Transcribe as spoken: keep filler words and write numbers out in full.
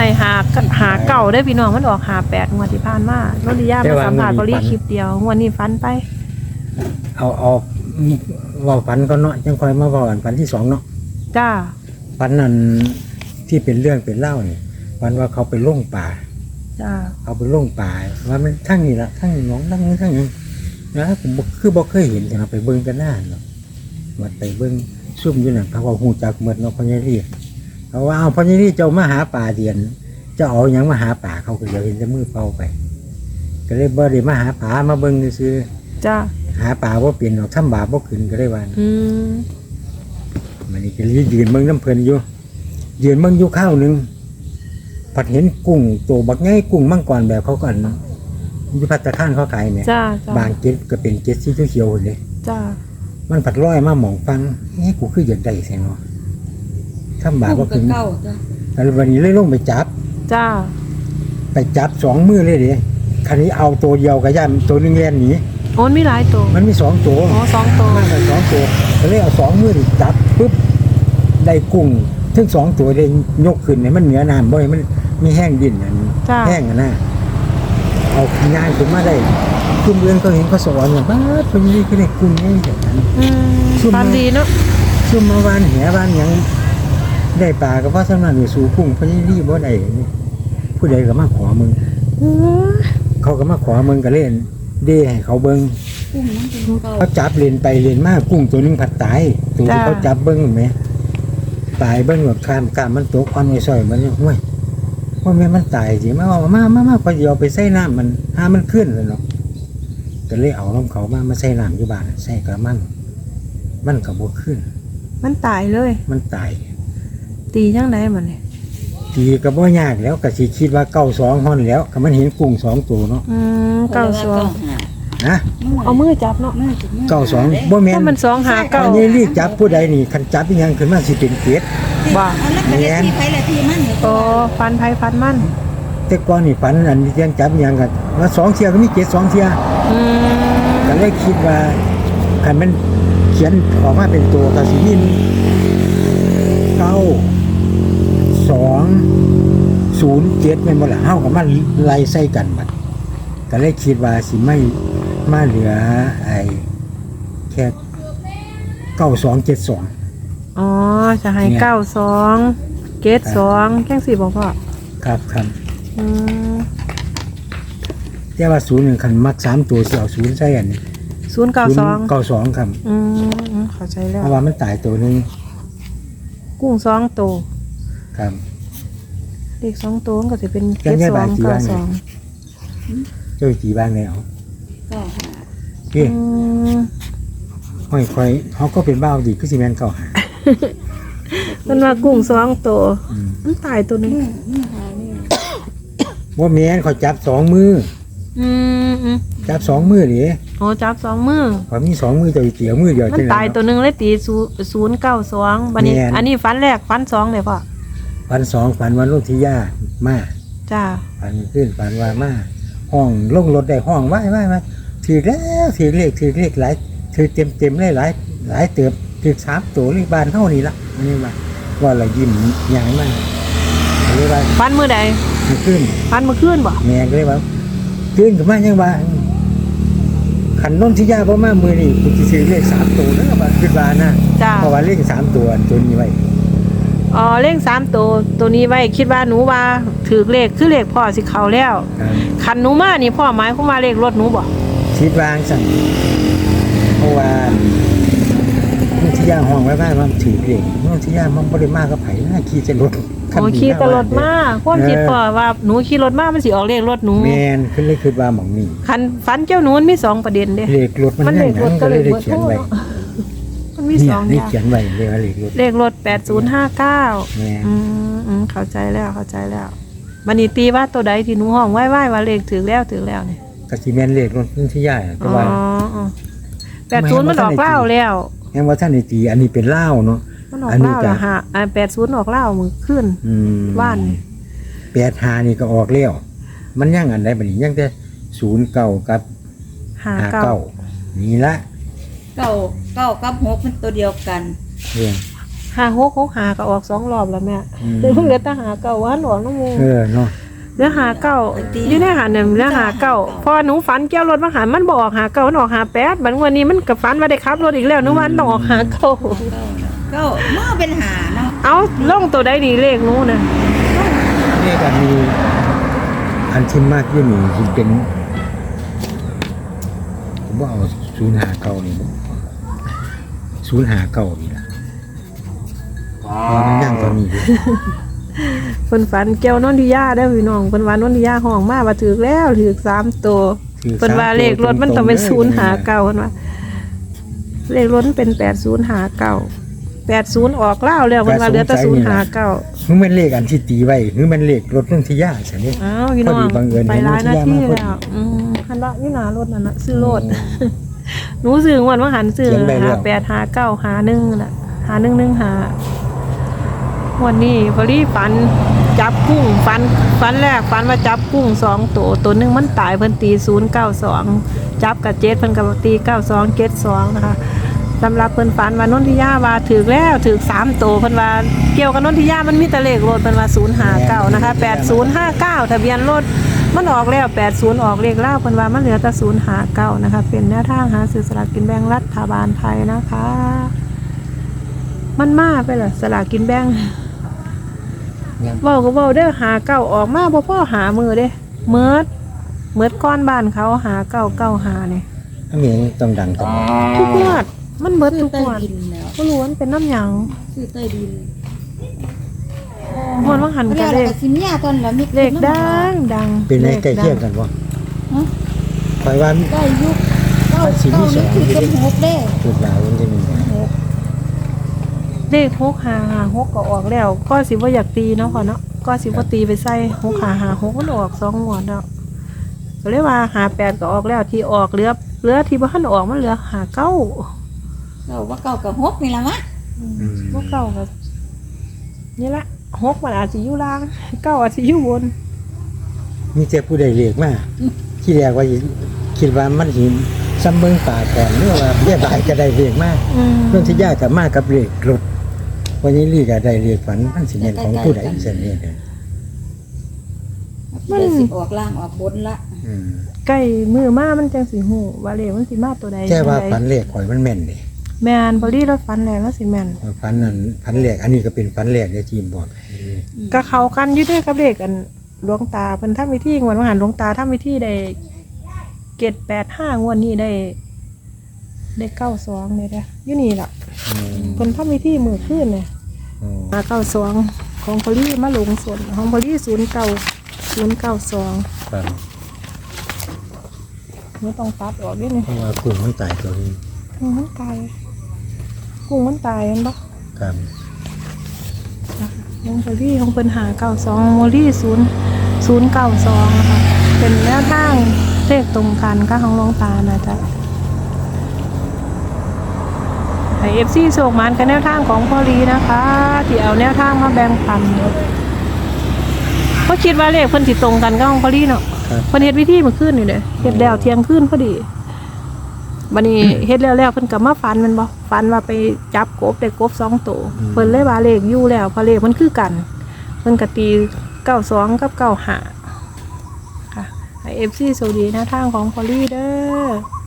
ให้หาหาเก่าได้พี่น้องมันออกหาแปดงวดที่ผ่านมาโนริยามาสัมผัสบริคลิปเดียวงวดนี้ฟันไปเอาเอาเว่าฝันก็เนาะจังค่อยมาเว้าอันฝันที่สองเนาะจ้าฝันนั้นที่เป็นเรื่องเป็นเล่าเนี่ยฝันว่าเขาไปล่งป่าจ้าเอาไปล่งป่าว่ามันทั้งนี้ละทั้งน้องทั้งนี้ทั้งนี้นะผมคือบ่เคยเห็นแต่เราไปเบิ่งกันหน้าเนาะมาไปเบิ่งซุ่มอยู่นั่นเขาว่าฮู้จักหมดเนาะพ่อใหญ่รีเขาว่าเอาพ่อใหญ่รีเจ้ามาหาป่าเดียนเจ้าเอาหยังมาหาป่าเขาก็เดี๋ยวเห็นแต่มือเปล่าไปก็เลยบ่ได้มาหาป่ามาเบิ่งซื่อจ้าหาป่าบ่เป็นหรอกทำบาปบ่ขึ้นก็ได้ว่าอืมมันนี่ก็ยืนเบิ่งน้ำเพิ่นอยู่ยืนเบิ่งอยู่ข้าวนึงผัดเห็นกุ้งโตบักใหญ่กุ้งมังกรแบบเขาก่อนอยู่ภัตตาคารเขาขายแม่จ้าบางเก็ดก็เป็นเก็ดสีเขียวๆเลยจ้ามันผัดร้อยมาหมองฟังเอ๊ะกูคืออยากได้แซ่เนาะทำบาปบ่ขึ้นแต่วันนี้เลยลงไปจับจ้าไปจับสองมือเลยเด้คันนี้เอาตัวเดียวก็ย่านตัวนึงแล่นหนีโอ้มีหลายตัวมันมีสองตัวอ๋อสองตัวมันสองตัวก็เลยเอาสองมือจับปุ๊บได้กุ้งทั้งสองตัวได้ยกขึ้นเนี่ยมันเหนือน้ำบ่อยมันมีแห้งดินอันแห้งอ่ะนะเอางานขึ้นมาได้กุ้งเรื่องก็เห็นเขาสอนว่าบ้าเป็นยังไงก็ได้กุ้งง่ายแบบนั้นปานดีเนาะซุ่มมาวานแหวานยังได้ปลาก็เพราะสำนักอยู่สู่กุ้งเพราะยี่รีบ่ได้ผู้ใดก็มาขอมึงเขาก็มาขอมึงก็เล่นเด้ให้เขาเบิ้งเขาจับเลนไปเลนมากกุ้งตัวนึงผัดตายตัวที่เขาจับเบิ้งไหมตายเบิ้งแบบคามกามมันตกควันไอ้ซอยมันห้วยว่าแม่มันตายสิมาเอามามามาพอเดียวไปใส่น้ำมันห้ามันขึ้นเลยเนาะก็เลยเอาลมเขามามาใส่น้ำอยู่บ้านใส่กระมังมันกับบวขึ้นมันตายเลยมันตายตียังไงมันเนี่ยตีกระบ่ยากแล้วก็สิคิดว่าเก้าสองห่อนแล้วก็มันเห็นกุ้งสองตัวเนาะอืมเก้าสองนะเอามือจับเนาะเก้าสองบ่แม่นมันสองหาเก้าอันนี้รีบจับผู้ใดนี่คันจับยังขึ้นมาสิเป็นเกศบ่แม่นโอ้ฟันไผฟันมันแต่ก่อนนี่ฝันอันนี้ยังจับยังกันว่าสองเที่ยก็มีเกศสองเที่ยอืมก็เลยคิดว่าคันมันเขียนออกมาเป็นตัวก็สิมีเก้าสองศูนย์เจ็ดแม่นบ่ล่ะเฮาก็มาไล่ใส่กันบัดก็เลยคิดว่าสิไม่มาเหลือไอ้แค่เก้าสองเจ็ดสองอ๋อจะให้เก้าสองเกตสองแค่สี่บอกพ่อครับครับอืมแต่ว่าศูนย์หนึ่งคันมักสามตัวสิเอาศูนย์ใส่อันนี้ศูนย์เก้าสองเก้าสองครับอืมเข้าใจแล้วเพราะว่ามันตายตัวนึงกุ้งสองตัวครับเด็กสองตัวก็จะเป็นเกตสองเก้าสองเจ้าจีบ้างแล้วก็หาพี่ค่อยค่อยเขาก็เป็นบ้าดีก็สิแมนเก่าหามันว่ากุ้งสองตัวมันตายตัวนึงว่าแมนเขาจับสองมืออืมจับสองมือดิโอ้จับสองมือเขามีสองมือเจ้าเตี๋ยวมือเดียวมันตายตัวนึงเลยตีศูนย์เก้าสองบันนี้อันนี้ฟันแรกฟันสองเลยพ่อฟันสองฟันวันลูกที่ย่ามาจ้าฟันขึ้นฟันว่ามาห้องลงรถได้ห้องไหว้ไหว้ไหว้ถือแล้วถือเลขถือเลขหลายถือเต็มเต็มเลยหลายหลายเติบถือสามตัวเลขบานเท่านี้ละนี่ว่าว่าเรายิ้มอย่างมากเลยว่าฟันมือใดขึ้นฟันมือขึ้นบ่แม่ก็เลยว่าขึ้นกับมายังว่าขันน้นที่ยาเพราะมามือนี่คุณจะซื้อเลขสามตัวนะว่าขึ้นบานนะเพราะว่าเลขสามตัวตัวนี้ไว้อ๋อเลขสามตัวตัวนี้ไว้คิดว่าหนูว่าถือเลขคือเลขพ่อสิเขาแล้วขันหนูมานี่พ่อหมายความว่าเลขรถหนูบ่คิดวางสั่งเพราะว่าน้องที่ย่าห้องไว้บ้านมันถือเลขน้องที่ย่ามันบริมากก็ไผ่น่าขี่จะรถโอ้ขี่ตลอดมาความคิดพ่อว่าหนูขี่รถมามันสิออกเลขรถหนูแมนขึ้นเลยคือว่าหมองนี่คันฟันเจ้าหนูมันมีสองประเด็นเด้เลขรถมันเลขรถก็เลยได้เขียนไว้มันมีสองอย่างเขียนไว้เลขเลขรถเลขรถแปดศูนย์ห้าเก้าอืมอืมเข้าใจแล้วเข้าใจแล้วบัดนี้ตีว่าตัวใดที่หนูห้องไว้ไว้ว่าเลขถึงแล้วถึงแล้วนี่กะสิแม่นเลขรถน้องที่ย่าแต่ว่าอ๋อแปดศูนย์มันออกเล่าแล้วแห่งว่าท่านในตีอันนี้เป็นเล่าเนาะอันนี้ก็ฮะอันแปดศูนย์ออกเล่ามือขึ้นว่านแปดหานี่ก็ออกแล้วมันยังอันใดบัดนี้ยังแต่ศูนย์เก้ากับห้าเก้านี่ละเก้าเก้ากับหกมันตัวเดียวกันเรื่องหาหกหกหาก็ออกสองรอบแล้วแม่อืมเดี๋ยวเพิ่งเหลือแต่หาเก่าว่าหลวงน้องโมเออเนาะเหลือหาเก่าอยู่ในหาเนี่ยเหลือหาเก่าพอหนูฝันเกี่ยวรถมาหามันบอกหาเก่ามันออกหาแปดบัดวันนี้มันกับฝันว่าได้ขับรถอีกแล้วหนูว่ามันต้องออกหาเก่าก็เมื่อเป็นหาเนาะเอาลงตัวใดดีเลขหนูน่ะนี่ก็มีอันที่มากอยู่นี่ที่เป็นผมว่าเอาศูนย์หาเก่านี่ศูนย์หาเก่านี่ล่ะเพราะมันย่างตอนนี้อยู่เพิ่นฝันเกี่ยวนนทิยาเด้อพี่น้องเพิ่นว่านนทิยาห้องมาว่าถูกแล้วถูกสามตัวถือเพิ่นว่าเลขรถมันต้องเป็นศูนย์หาเก่าเพิ่นว่าเลขรถมันเป็นแปดศูนย์หาเก่าแปดศูนย์ออกแล้วแล้วเพิ่นว่าเหลือแต่ศูนย์หาเก่าคือมันเลขอันที่ตีไว้คือมันเลขรถนุ่นที่ย่าใช่ไหมอ้าวพี่น้องพอดีบังเอิญไปเห็นร้านหน้าวิทยาที่มาพอดีแล้วอืมคันละอยู่หน้ารถนั่นน่ะซื้อรถหนูซื้อวันว่าหันซื้อเขียนใบแล้หาว แปดหาเก้าหาหนึ่งน่ะหาหนึ่งหนึ่งหาวันนี้พอดีฝันจับกุ้งฝันฝันแรกฝันว่าจับกุ้งสองตัวตัวหนึงมันตายเพิ่นตีศูนย์เก้าสองจับกับเจ็ดเพิ่นกับตีเก้าสองเจ็ดสองนะคะสำหรับเพิ่นฝันว่านนทิยาว่าถือแล้วถือสามตัวเพิ่นว่าเกี่ยวกับนนทิยามันมีแต่เลขรถเพิ่นว่าศูนย์ห้าเก้านะคะแปดศูนย์ห้าเก้าทะเบียนรถมันออกแล้วแปดศูนย์ออกเลขเล่าเพิ่นว่ามันเหลือแต่ศูนย์ห้าเก้านะคะเป็นแนวทางหาซื้อสลากกินแบ่งรัฐบาลไทยนะคะ มันมาไปเหรอสลากกินแบ่งเว้าก็เว้าเด้อหาเก้าออกมาบ่พอหามือเด้เมิดเมิดก้อนบ้านเขาหาเก้าเก้าหานี่อันนี้ต้องดังต่อทุกงวดมันเบิดซื้อทุกใต้งวดดินแล้วก็รู้ว่ามันเป็นน้ำหยังซื้อใต้ดินงวดว่าหันแล้กัวนเลเราขก็สิมียาตอนแล้วมีเลขดังดังเป็นในใกล้เคียงลขกันวะฮะคอยว่าได้ยุคเก้ามันสิมีเก้าสอนี่งคือเป็นหกเด้จุดหลายมันจะมีเลขหกหาหาหกก็ออกแล้ว ก็สิว่าอยากตีเนาะพอเนาะก็สิว่าตีไปใส่หกหาหาหกมันออกสองงวดแล้วก็เลยว่าหาแปดก็ออกแล้วที่ออกเหลือเหลือที่บ้านออกมันเหลือหาเก้าเก้าว่าเก้ากับหกนี่ละมะว่าเก้าก็นี่ละหกมันอาจจะอยู่ล่างเก้าอาจจะอยู่บนมีแต่ผู้ใดเลขมาที่แรกว่าคิดว่ามันหินซ้ำเบิงป่าก่อนเนื่อว่าเรียบายก็ได้เลขมากอืมนุ่นที่ย่ากับมากับเลขรถวันนี้ลีก็ได้เลขฝันมันสิเป็นของผู้ใดเสนเนี่ยเด้อเดี๋ยวสิออกล่างออกบนละอืมใกล้มือมามันจังสิหูว่าเลขมันสิมาตัวใดแค่ว่าตัวใดฝันเลขข่อยมันแม่นเด้แมนบอดี้รถฟันแรงแล้วสิแมนฝันนั้นฝันเลขอันนี้ก็เป็นฝันเลขเด้อทีมบอกก็เขากันอยืดด้วยกับเลขกันหลวงตาเพิ่นทำวิธีงวดมหันหลวงตาทำวิธีได้เกตแปดห้างวดนี้ได้ ได้เก้าสองเลยนะอยู่นี่ล่ะอืมเพิ่นทำวิธีมือขึ้นเนี่ยอืมมาเก้าสองของพอลี่มาลงส่วนของพอลี่ศูนย์เก้าศูนย์เก้าสองครับไม่ต้องตัดออกด้วยนี่เพราะว่ากุ้งมันตายตัวนี้กุ้งมันตายกุ้งมันตายเห็นปะครับของพอลี่ของเพิ่นหาเก้าสองโมลี่ศูนย์ศูนย์เก้าสองนะคะเป็นแนวทางเลขตรงกันก็ของหลวงตานะจ๊ะไอเอฟซีโศกมันกับแนวทางของพอลีนะคะ ที่เอาแนวทางมาแบ่งปันเพราะคิดว่าเลขเพิ่นสิตรงกันกับของพอลีเนาะครับเพิ่นเฮ็ดวิธีเมื่อคืนนี่เด้เฮ็ดแล้วเที่ยงคืนพอดีบัดนี้ เฮ็ดแล้วแล้วเพิ่นก็มาฝันแมันบ่ฝันว่าไปจับกบได้กบสองตัวเพิ่นเลยว่าเลขอยู่แล้วเพราะเลขมันคือกันเพิ่นก็ตีเก้าสองกับเก้าห้าค่ะไอเอฟซีโซดีนะทางของพอลีเด้อ